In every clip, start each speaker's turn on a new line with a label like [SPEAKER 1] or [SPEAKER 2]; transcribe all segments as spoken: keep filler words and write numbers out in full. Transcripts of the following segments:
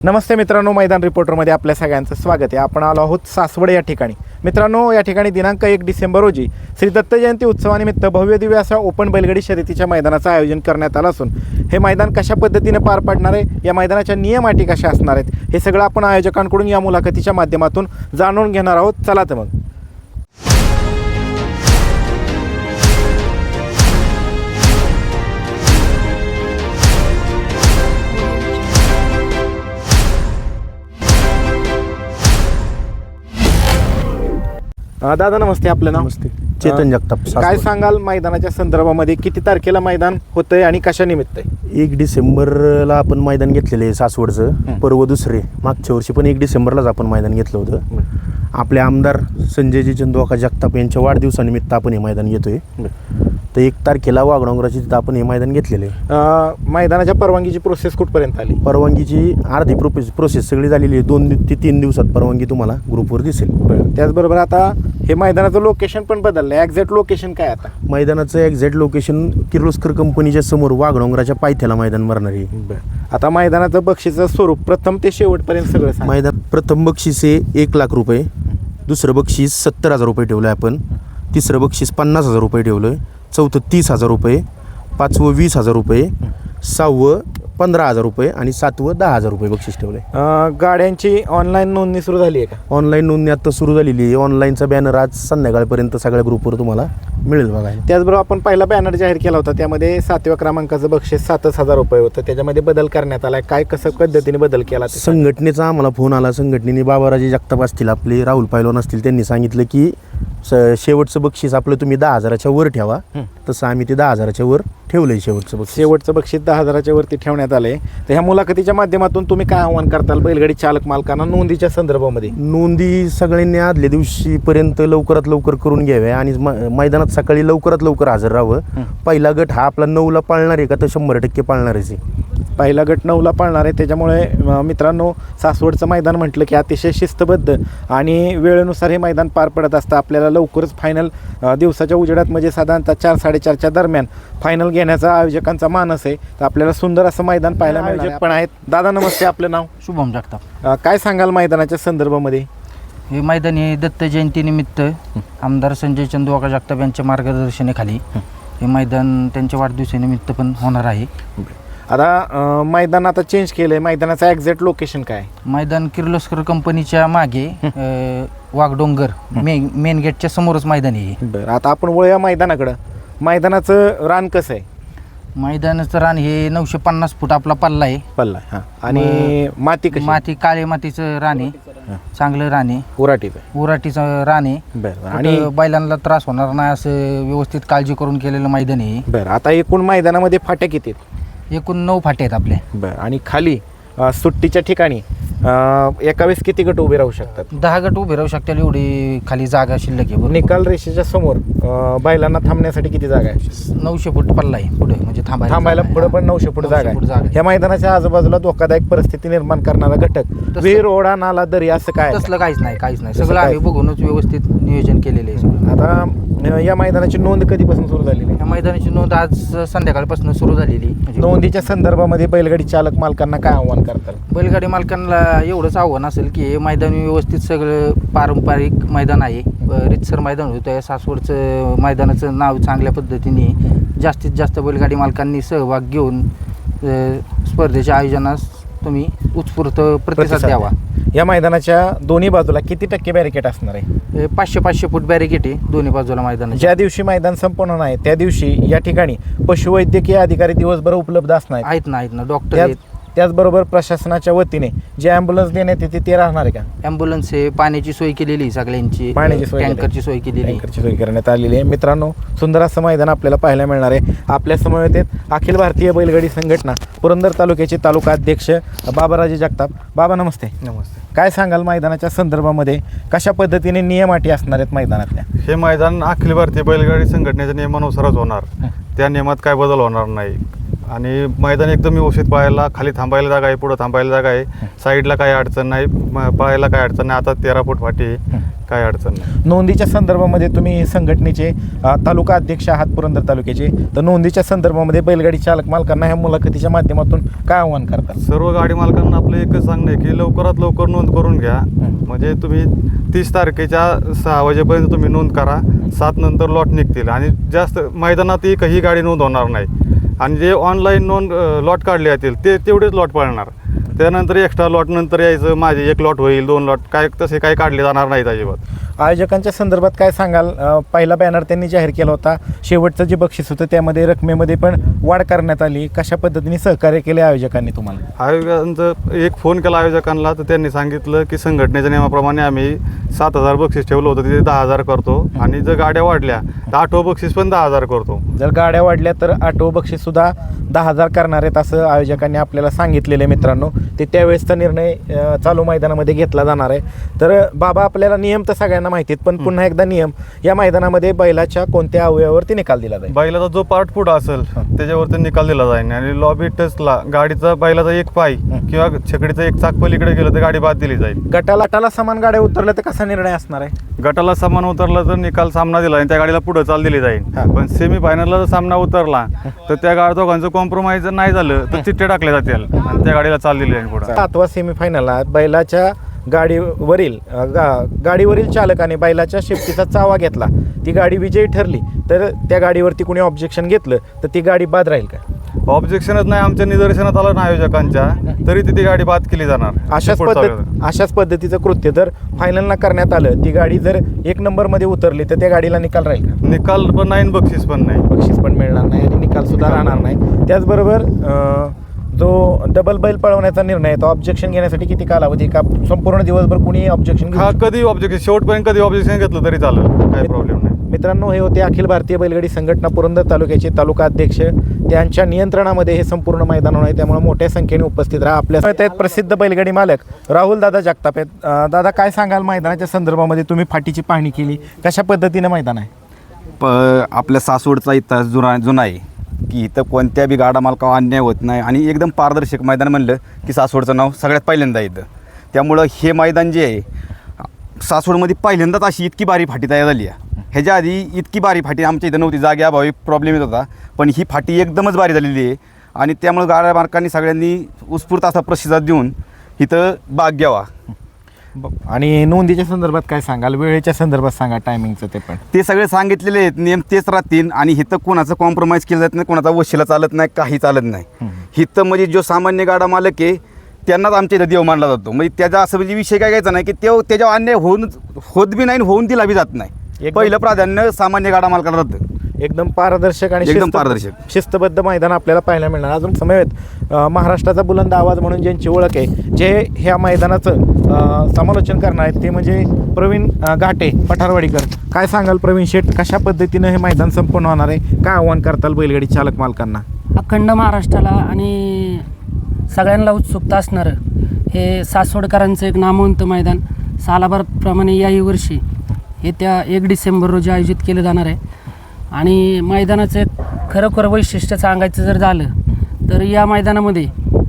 [SPEAKER 1] नमस्ते मित्रांनो, मैदान रिपोर्टरमध्ये आपल्या सगळ्यांचं स्वागत आहे. आपण आलो आहोत सासवड या ठिकाणी. मित्रांनो, या ठिकाणी दिनांक एक डिसेंबर रोजी श्री दत्त जयंती उत्सवानिमित्त भव्य दिव्य असा ओपन बैलगाडी शर्यतीच्या मैदानाचं आयोजन करण्यात आलं असून हे मैदान कशा पद्धतीने पार पडणार आहे, या मैदानाच्या नियम अटी कशा असणार आहेत, हे सगळं आपण आयोजकांकडून या मुलाखतीच्या माध्यमातून जाणून घेणार आहोत. चला तर मग. दादा नमस्ते. आपलं नाव?
[SPEAKER 2] नमस्ते. चेतन जगताप.
[SPEAKER 1] काय सांगाल मैदानाच्या संदर्भामध्ये, किती तारखेला मैदान होतंय आणि कशा निमित्त आहे?
[SPEAKER 2] एक डिसेंबरला आपण मैदान घेतलेलं आहे सासवडचं. पर्व दुसरे. मागच्या वर्षी पण एक डिसेंबरलाच आपण मैदान घेतलं होतं. आपले आमदार संजयजी चंदोका जगताप यांच्या वाढदिवसानिमित्त आपण हे मैदान घेतोय. तर एक तारखेला वाघडोंगराची तिथं आपण हे मैदान घेतलेलं आहे.
[SPEAKER 1] मैदानाच्या परवानगीची प्रोसेस कुठपर्यंत आली?
[SPEAKER 2] परवानगीची अर्धी प्रोसेस प्रोसेस सगळी झालेली आहे. दोन ते तीन दिवसात परवानगी तुम्हाला ग्रुपवर दिसेल.
[SPEAKER 1] त्याचबरोबर आता हे मैदानाचं लोकेशन पण बदललं आहे. एक्झॅक्ट लोकेशन काय आता?
[SPEAKER 2] मैदानाचं एक्झॅक्ट लोकेशन किर्लोस्कर कंपनीच्या समोर वाघडोंगराच्या पायथ्याला मैदान भरणार आहे.
[SPEAKER 1] आता मैदानाचं बक्षीचं स्वरूप प्रथम ते शेवटपर्यंत सगळं सांगा.
[SPEAKER 2] मैदान प्रथम बक्षीस हे एक लाख रुपये, दुसरं बक्षीस सत्तर हजार रुपये ठेवलं आहे आपण, तिसरं बक्षीस पन्नास हजार रुपये ठेवलं आहे, चौथं तीस हजार रुपये, पाचवं वीस हजार रुपये, सहावं पंधरा हजार रुपये आणि सातवं दहा हजार रुपये बक्षीस ठेवलं आहे.
[SPEAKER 1] गाड्यांची ऑनलाईन नोंदणी सुरू झाली आहे का?
[SPEAKER 2] ऑनलाईन नोंदणी आता सुरू झालेली आहे. ऑनलाईनचा बॅनर आज संध्याकाळपर्यंत सगळ्या ग्रुपवर तुम्हाला मिळेल बघायला.
[SPEAKER 1] त्याचबरोबर आपण पहिला बॅनर जाहीर केला होता, त्यामध्ये सातव्या क्रमांकाचं बक्षीस सातच हजार रुपये होतं. त्याच्यामध्ये बदल करण्यात आला. काय कसं पद्धतीने बदल केला?
[SPEAKER 2] संघटनेचा आम्हाला फोन आला. संघटनेने बाबाराजे जगताप असतील, आपले राहुल पैलवान असतील, त्यांनी सांगितलं की स शेवटचं बक्षीस आपलं तुम्ही दहा हजाराच्या वर ठेवा. तसं आम्ही ते दहा हजाराच्या वर ठेवलंय. शेवटचं बक्षीस
[SPEAKER 1] शेवटचं बक्षीस दहा हजाराच्या वरती ठेवण्यात आले. तर ह्या मुलाखतीच्या माध्यमातून तुम्ही काय आव्हान करताल बैलगाडी चालक मालकांना नोंदीच्या संदर्भामध्ये?
[SPEAKER 2] नोंदी सगळ्यांनी आदल्या दिवशीपर्यंत लवकरात लवकर करून घ्याव्या आणि मैदानात सकाळी लवकरात लवकर हजर राहावं. पहिला गट हा आपला नऊला पाळणार आहे का? तर शंभर टक्के पाळणारच आहे.
[SPEAKER 1] पहिला गट नऊला पाळणार आहे. त्याच्यामुळे मित्रांनो, सासवडचं मैदान म्हटलं की अतिशय शिस्तबद्ध आणि वेळेनुसार हे मैदान पार पडत असतं. आपल्याला लवकरच फायनल दिवसाच्या उजेडात म्हणजे साधारणतः चार साडेचारच्या दरम्यान फायनल घेण्याचा आयोजकांचा मानस आहे. तर आपल्याला सुंदर असं मैदान पाहायला आयोजक पण आहेत. दादा नमस्ते. आपलं नाव?
[SPEAKER 3] शुभम जगताप.
[SPEAKER 1] काय सांगाल मैदानाच्या संदर्भामध्ये?
[SPEAKER 3] हे मैदान हे दत्त जयंतीनिमित्त आमदार संजय चंदोका जगताप यांच्या मार्गदर्शनाखाली हे मैदान त्यांच्या वाढदिवसानिमित्त पण होणार आहे.
[SPEAKER 1] आता मैदान आता चेंज केलं आहे. मैदानाचं एक्झॅक्ट लोकेशन काय?
[SPEAKER 3] मैदान किर्लोस्कर कंपनीच्या मागे वाघडोंगर मेन मेन गेटच्या समोरच मैदान आहे.
[SPEAKER 1] बरं, आता आपण वळूया मैदानाकडं. मैदानाचं रान कसं आहे?
[SPEAKER 3] मैदानाचं रान हे नऊशे पन्नास फूट आपला पल्ला आहे.
[SPEAKER 1] पल्ला हां. आणि माती कशी?
[SPEAKER 3] माती काळे मातीचं रान आहे. चांगलं रान आहे.
[SPEAKER 1] उराटीचं
[SPEAKER 3] उराटीचं रान आहे.
[SPEAKER 1] बरं.
[SPEAKER 3] आणि बैलांना त्रास होणार नाही असं व्यवस्थित काळजी करून केलेलं मैदान आहे.
[SPEAKER 1] बरं, आता एकूण मैदानामध्ये फाट्या किती आहेत?
[SPEAKER 3] एकूण नऊ फाटे आहेत आपले.
[SPEAKER 1] बरं. आणि खाली सुट्टीच्या ठिकाणी एका वेळेस किती गट उभे राहू शकतात?
[SPEAKER 3] दहा गट उभे राहू शकतील एवढी खाली जागा शिल्लक आहे.
[SPEAKER 1] निकाल रेषेच्या समोर बैलांना थांबण्यासाठी किती जागा आहे?
[SPEAKER 3] नऊशे फूट पल्ला आहे पुढे, म्हणजे थांबायला
[SPEAKER 1] थांबायला पुढे पण नऊशे फूट जागा आहे. ह्या मैदानाच्या आजूबाजूला धोकादायक परिस्थिती निर्माण करणारा घटक विहीर, ओढा, नाला, दरी असं काय?
[SPEAKER 3] तसलं काहीच नाही, काहीच नाही. सगळं आम्ही बघूनच व्यवस्थित नियोजन केलेलं आहे.
[SPEAKER 1] आता या मैदानाची नोंद कधीपासून सुरू झालेली आहे?
[SPEAKER 3] या मैदानाची नोंद आज संध्याकाळपासून सुरू झालेली. म्हणजे
[SPEAKER 1] नोंदीच्या संदर्भामध्ये बैलगाडी चालक मालकांना काय आव्हान करतात?
[SPEAKER 3] बैलगाडी मालकांना एवढंच आव्हान असेल की हे मैदान व्यवस्थित सगळं पारंपरिक मैदान आहे, रितसर मैदान होतं. या सासवडचं मैदानाचं नाव चांगल्या पद्धतीने जास्तीत जास्त बैलगाडी मालकांनी सहभाग घेऊन स्पर्धेच्या आयोजनास तुम्ही उत्स्फूर्त प्रतिसाद द्यावा.
[SPEAKER 1] या मैदानाच्या दोन्ही बाजूला किती टक्के बॅरिकेड असणार आहे?
[SPEAKER 3] पाचशे पाचशे फूट बॅरिकेड आहे दोन्ही बाजूला मैदान.
[SPEAKER 1] ज्या दिवशी मैदान संपन्न नाही त्या दिवशी या ठिकाणी पशुवैद्यकीय अधिकारी दिवसभर उपलब्ध असणार
[SPEAKER 3] आहेत ना? आहेत ना, डॉक्टर आहेत.
[SPEAKER 1] त्याचबरोबर प्रशासनाच्या वतीने जे ॲम्ब्युलन्स देण्यात येते ते राहणार आहे का?
[SPEAKER 3] ॲम्ब्युलन्स आहे, पाण्याची सोय केलेली आहे, सगळ्यांची
[SPEAKER 1] पाण्याची सोय,
[SPEAKER 3] टँकरची सोय केलेली
[SPEAKER 1] टँकरची सोय करण्यात आलेली आहे. मित्रांनो, सुंदर असं मैदान आपल्याला पाहायला मिळणार आहे. आपल्या समवेत आहेत अखिल भारतीय बैलगाडी संघटना पुरंदर तालुक्याचे तालुका अध्यक्ष बाबाराजे जगताप. बाबा नमस्ते.
[SPEAKER 4] नमस्ते.
[SPEAKER 1] काय सांगाल मैदानाच्या संदर्भामध्ये, कशा पद्धतीने नियम अटी असणार आहेत मैदानातल्या?
[SPEAKER 4] हे मैदान अखिल भारतीय बैलगाडी संघटनेच्या नियमानुसारच होणार. त्या नियमात काय बदल होणार नाही आणि मैदान एकदम व्यवस्थित पाहायला, खाली थांबायला जागा आहे, पुढं थांबायला जागा आहे, साईडला काही अडचण नाही, पाहायला काही अडचण नाही. आता तेरा फूट फाटी काय अडचण नाही.
[SPEAKER 1] नोंदीच्या संदर्भामध्ये तुम्ही संघटनेचे अ, तालुका अध्यक्ष आहात पुरंदर तालुक्याचे, तर नोंदीच्या संदर्भामध्ये बैलगाडी चालक मालकांना ह्या मुलाखतीच्या माध्यमातून काय आव्हान करतात?
[SPEAKER 4] सर्व गाडी मालकांना आपलं एकच सांगणं आहे की लवकरात लवकर नोंद करून घ्या. म्हणजे तुम्ही तीस तारखेच्या सहा वाजेपर्यंत तुम्ही नोंद करा. सात नंतर लॉट निघतील आणि जास्त मैदानात एकही गाडी नोंद होणार नाही. आणि जे ऑनलाईन नोंद लॉट काढले जातील ते तेवढेच लॉट पळणार. त्यानंतर एक्स्ट्रा लॉट नंतर यायचं, माझे एक लॉट होईल, दोन लॉट, काय तसे काही काढले जाणार नाहीत अजिबात.
[SPEAKER 1] आयोजकांच्या संदर्भात काय सांगाल? अ, पहिला बॅनर त्यांनी जाहीर केला होता, शेवटचं जे बक्षीस होतं त्यामध्ये रकमेमध्ये पण वाढ करण्यात आली. कशा पद्धतीने सहकार्य केले आयोजकांनी तुम्हाला?
[SPEAKER 4] आयोजकांचं एक फोन केला आयोजकांना, तर त्यांनी सांगितलं की संघटनेच्या नियमाप्रमाणे आम्ही सात हजार बक्षीस ठेवलं होतं, तिथे दहा हजार करतो आणि जर गाड्या वाढल्या तर आठवं बक्षीस पण दहा हजार करतो.
[SPEAKER 1] जर गाड्या वाढल्या तर आठवं बक्षीस सुद्धा दहा हजार करणार आहेत असं आयोजकांनी आपल्याला सांगितलेलं आहे. मित्रांनो, ते त्यावेळेसचा निर्णय अ, चालू मैदानामध्ये घेतला जाणार आहे. तर बाबा, आपल्याला नियम तर सगळ्यांना माहिती आहेत, पण पुन्हा एकदा नियम, या मैदानामध्ये बैलाच्या कोणत्या अवयवावरती निकाल दिला जाईल?
[SPEAKER 4] बैलाचा जो पार्ट पुढं असेल त्याच्यावरती निकाल दिला जाईल आणि लॉबी टचला गाडीचा बैलाचा एक पाय किंवा छकडीचं एक चाक पलीकडे गेलं तर गाडी बाद दिली जाईल.
[SPEAKER 1] गटाला गटाला समान गाड्या उतरल्या तर कसा निर्णय असणार आहे?
[SPEAKER 4] गटाला सामान उतरला तर निकाल सामना दिला आणि त्या गाडीला पुढे चाल दिली जाईल.
[SPEAKER 1] हा.
[SPEAKER 4] पण सेमी फायनलला जर सामना उतरला तर त्या गाडी दोघांचं कॉम्प्रोमाइज जर नाही झालं तर चिठ्ठे टाकले जातील आणि त्या गाडीला चाल दिली जाईल पुढे.
[SPEAKER 1] सातवा सेमीफायनलला बैलाच्या गाडीवरील अ, गा गाडीवरील चालकाने बैलाच्या शेपटीचा चावा घेतला, ती गाडी विजयी ठरली, तर त्या गाडीवरती कोणी ऑब्जेक्शन घेतलं तर ती गाडी बाद राहील का?
[SPEAKER 4] ऑब्जेक्शनच नाही आमच्या निदर्शनात आलं ना आयोजकांच्या, तरी ती गाडी बाद केली जाणार.
[SPEAKER 1] अशाच
[SPEAKER 4] पुढचा
[SPEAKER 1] पद्धत अशाच पद्धतीचं कृत्य जर फायनलला करण्यात आलं, ती गाडी जर एक नंबरमध्ये उतरली तर त्या गाडीला निकाल राहील का?
[SPEAKER 4] निकाल पण नाही आणि बक्षीस पण नाही.
[SPEAKER 1] बक्षीस पण मिळणार नाही आणि निकाल सुद्धा राहणार नाही. त्याचबरोबर अ, जो डबल बैल पळवण्याचा निर्णय आहे तो ऑब्जेक्शन घेण्यासाठी किती कालावधी का संपूर्ण दिवसभर कुणी ऑब्जेक्शन
[SPEAKER 4] हा कधी ऑब्जेक्शन शेवटपर्यंत कधी ऑब्जेक्शन घेतलं तरी चालेल, काही प्रॉब्लेम नाही.
[SPEAKER 1] मित्रांनो, हे होते अखिल भारतीय बैलगाडी संघटना पुरंदर तालुक्याचे तालुका अध्यक्ष. त्यांच्या नियंत्रणामध्ये हे संपूर्ण मैदान आहे, त्यामुळे मोठ्या संख्येने उपस्थित राहा. आपल्या आहेत प्रसिद्ध बैलगाडी मालक राहुल दादा जगताप आहेत. अं, दादा, काय सांगाल मैदानाच्या संदर्भामध्ये? तुम्ही फाटीची पाहणी केली, कशा पद्धतीने मैदान आहे?
[SPEAKER 5] प आपल्या सासवडचा इतिहास जुना जुना आहे की इथं कोणत्या बी गाडा मालकावर अन्याय होत नाही आणि एकदम पारदर्शक मैदान म्हणलं की सासवडचं नाव सगळ्यात पहिल्यांदा येतं. त्यामुळं हे मैदान जे आहे सासवडमध्ये पहिल्यांदाच अशी इतकी बारी फाटी तयार झाली आहे. ह्याच्या आधी इतकी बारी फाटी आमच्या इथं नव्हती, जागे अभावी प्रॉब्लेम येत होता, पण ही फाटी एकदमच बारी झालेली आहे आणि त्यामुळं गाड्या मालकांनी सगळ्यांनी उत्स्फूर्त असा प्रतिसाद देऊन इथं भाग घ्यावा.
[SPEAKER 1] आणि नोंदीच्या संदर्भात काय सांगाल? वेळेच्या संदर्भात सांगा, टायमिंगचं ते पण.
[SPEAKER 5] ते सगळे सांगितलेले आहेत, नियम तेच राहतील आणि इथं कोणाचं कॉम्प्रोमाइज केलं जात नाही, कोणाचा वशिला चालत नाही, काही चालत नाही. इथं म्हणजे जो सामान्य गाडा मालक आहे त्यांनाच आमच्या इथं देव मानला जातो. म्हणजे त्याचा असं म्हणजे विषय काय घ्यायचा नाही की ते त्याच्यावर अन्याय होऊन होत बी नाही आणि होऊन दिला बी जात नाही.
[SPEAKER 1] एकदम-
[SPEAKER 5] पहिलं प्राधान्य सामान्य गाडा मालकाला राहतं.
[SPEAKER 1] एकदम पारदर्शक आणि
[SPEAKER 5] एकदम
[SPEAKER 1] शिस्त-
[SPEAKER 5] पारदर्शक.
[SPEAKER 1] शिस्तबद्ध मैदान आपल्याला पाहायला मिळणार. अजून समवेत अ, महाराष्ट्राचा बुलंद आवाज म्हणून ज्यांची ओळख आहे, जे ह्या मैदानाचं अ, समालोचन करणार आहेत, ते म्हणजे प्रवीण अ, घाटे पठारवाडीकर. काय सांगाल प्रवीण शेठ, कशा पद्धतीनं हे मैदान संपन्न होणार आहे? काय आव्हान करताल बैलगाडी चालक मालकांना?
[SPEAKER 6] अखंड महाराष्ट्राला आणि सगळ्यांना उत्सुकता असणारं हे सासवडकरांचं एक नामवंत मैदान सालाबारप्रमाणे याही वर्षी येत्या एक डिसेंबर रोजी आयोजित केलं जाणार आहे. आणि मैदानाचं एक खरोखर वैशिष्ट्य सांगायचं जर झालं तर या मैदानामध्ये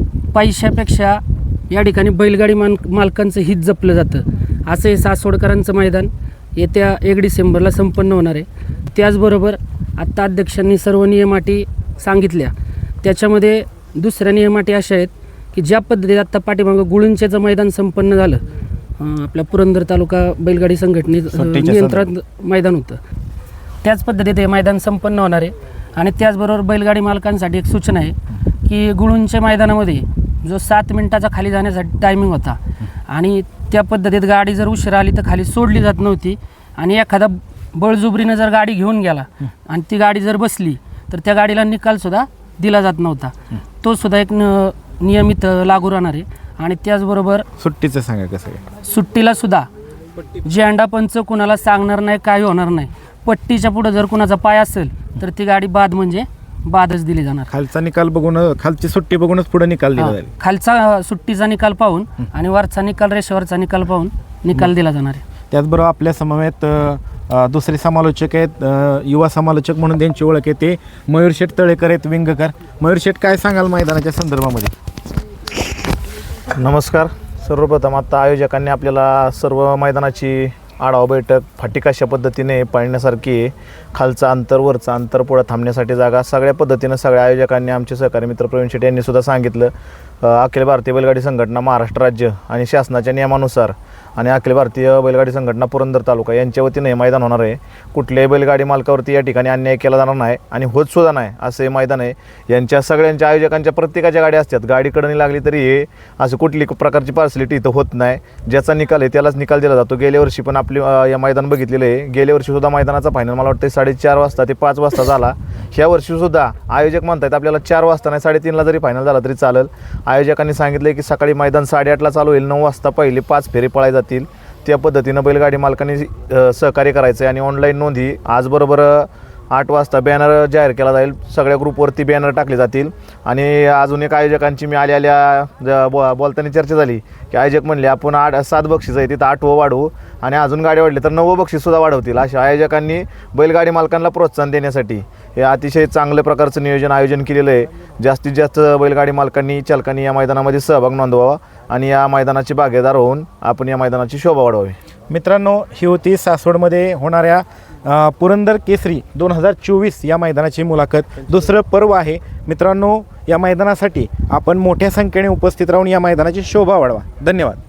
[SPEAKER 6] पैशापेक्षा या ठिकाणी बैलगाडी मान मालकांचं हित जपलं जातं. असं हे सासवडकरांचं मैदान येत्या एक डिसेंबरला संपन्न होणार आहे. त्याचबरोबर आत्ता अध्यक्षांनी सर्व नियमाटी सांगितल्या, त्याच्यामध्ये दुसऱ्या नियमाटी अशा आहेत की ज्या पद्धतीत आत्ता पाठीमागं गुळुंचेचं मैदान संपन्न झालं, अं, आपल्या पुरंदर तालुका बैलगाडी संघटनेचं
[SPEAKER 1] सुट्टीच्या
[SPEAKER 6] नियंत्रण मैदान होतं, त्याच पद्धतीत हे मैदान संपन्न होणार आहे. आणि त्याचबरोबर बैलगाडी मालकांसाठी एक सूचना आहे की गुळुंच्या मैदानामध्ये जो सात मिनिटाचा खाली जाण्यासाठी टायमिंग होता आणि त्या पद्धतीत गाडी जर उशिरा आली तर खाली सोडली जात नव्हती आणि एखादा बळजुबरीनं जर गाडी घेऊन गेला आणि ती गाडी जर बसली तर त्या गाडीला निकालसुद्धा दिला जात नव्हता. तो सुद्धा एक न नियमित लागू राहणार आहे. आणि त्याचबरोबर
[SPEAKER 1] सुट्टीचं सांगा कसं आहे?
[SPEAKER 6] सुट्टीला सुद्धा झेंडा पंच कुणाला सांगणार नाही, काही होणार नाही. पट्टीच्या पुढं जर कुणाचा पाय असेल तर ती गाडी बाद म्हणजे बादच दिली जाणार.
[SPEAKER 1] खालचा निकाल बघून, खालची सुट्टी बघूनच पुढे निकाल दिला
[SPEAKER 6] हा,
[SPEAKER 1] जाईल.
[SPEAKER 6] खालचा सुट्टीचा निकाल पाहून आणि वरचा निकाल रेषेवरचा निकाल पाहून निकाल दिला जाणार आहे.
[SPEAKER 1] त्याचबरोबर आपल्या समवेत अ, दुसरे समालोचक आहेत, अ, युवा समालोचक म्हणून त्यांची ओळख आहे, ते मयूर शेठ तळेकर आहेत, विंगकर. मयूर शेठ, काय सांगाल मैदानाच्या संदर्भामध्ये?
[SPEAKER 2] नमस्कार. सर्वप्रथम आता आयोजकांनी आपल्याला सर्व मैदानाची आढावा बैठक फाटी कशा पद्धतीने पाळण्यासारखी आहे, खालचं अंतर वरचं अंतर पुढं थांबण्यासाठी जागा सगळ्या पद्धतीनं सगळ्या आयोजकांनी आमचे सहकारी मित्र प्रवीण शेट्टी यांनी सुद्धा सांगितलं. अ, अखिल भारतीय बैलगाडी संघटना महाराष्ट्र राज्य आणि शासनाच्या नियमानुसार आणि अखिल भारतीय बैलगाडी संघटना पुरंदर तालुका यांच्या वतीनं हे मैदान होणार आहे. कुठल्याही बैलगाडी मालकावरती या ठिकाणी अन्याय केला जाणार नाही आणि होत सुद्धा नाही असं हे मैदान आहे. यांच्या सगळ्यांच्या आयोजकांच्या प्रत्येकाच्या गाड्या असतात, गाडीकडे नाही लागली तरी हे असं कुठली प्रकारची पार्सलिटी इथं होत नाही. ज्याचा निकाल आहे त्यालाच निकाल दिला जातो. गेल्या वर्षी पण आपली अ, या मैदान बघितलेलं आहे. गेल्या वर्षी सुद्धा मैदानाचा फायनल मला वाटतं साडेचार वाजता ते पाच वाजता झाला. ह्या वर्षी सुद्धा आयोजक म्हणतात आपल्याला चार वाजता नाही साडेतीनला जरी फायनल झाला तरी चालेल. आयोजकांनी सांगितलं की सकाळी मैदान साडेआठला चालू होईल, नऊ वाजता पहिले पाच फेरे पळाय जातील. त्या पद्धतीनं बैलगाडी मालकांनी अ, सहकार्य करायचं आहे. आणि ऑनलाईन नोंदी आज बरोबर अ, आठ वाजता बॅनर जाहीर केला जाईल. सगळ्या ग्रुपवरती बॅनर टाकले जातील. आणि अजून एक आयोजकांची मी आल्या आल्या ज- बो बोलताना चर्चा झाली की आयोजक म्हणले आपण आठ सात बक्षीस आहे तिथं आठवं वाढवू आणि अजून गाडी वाढली तर नववं बक्षीससुद्धा वाढवतील. अशा आयोजकांनी बैलगाडी मालकांना प्रोत्साहन देण्यासाठी हे अतिशय चांगल्या प्रकारचं नियोजन आयोजन केलेलं आहे. जास्तीत जास्त बैलगाडी मालकांनी चालकांनी या मैदानामध्ये सहभाग नोंदवावा आणि या मैदानाची भागीदार होऊन आपण या मैदानाची शोभा वाढवावी.
[SPEAKER 1] मित्रांनो, ही होती सासवडमध्ये होणाऱ्या अ, पुरंदर केसरी दोन हजार चोवीस या मैदानाची मुलाखत. दुसरं पर्व आहे मित्रांनो. या मैदानासाठी आपण मोठ्या संख्येने उपस्थित राहून या मैदानाची शोभा वाढवा. धन्यवाद.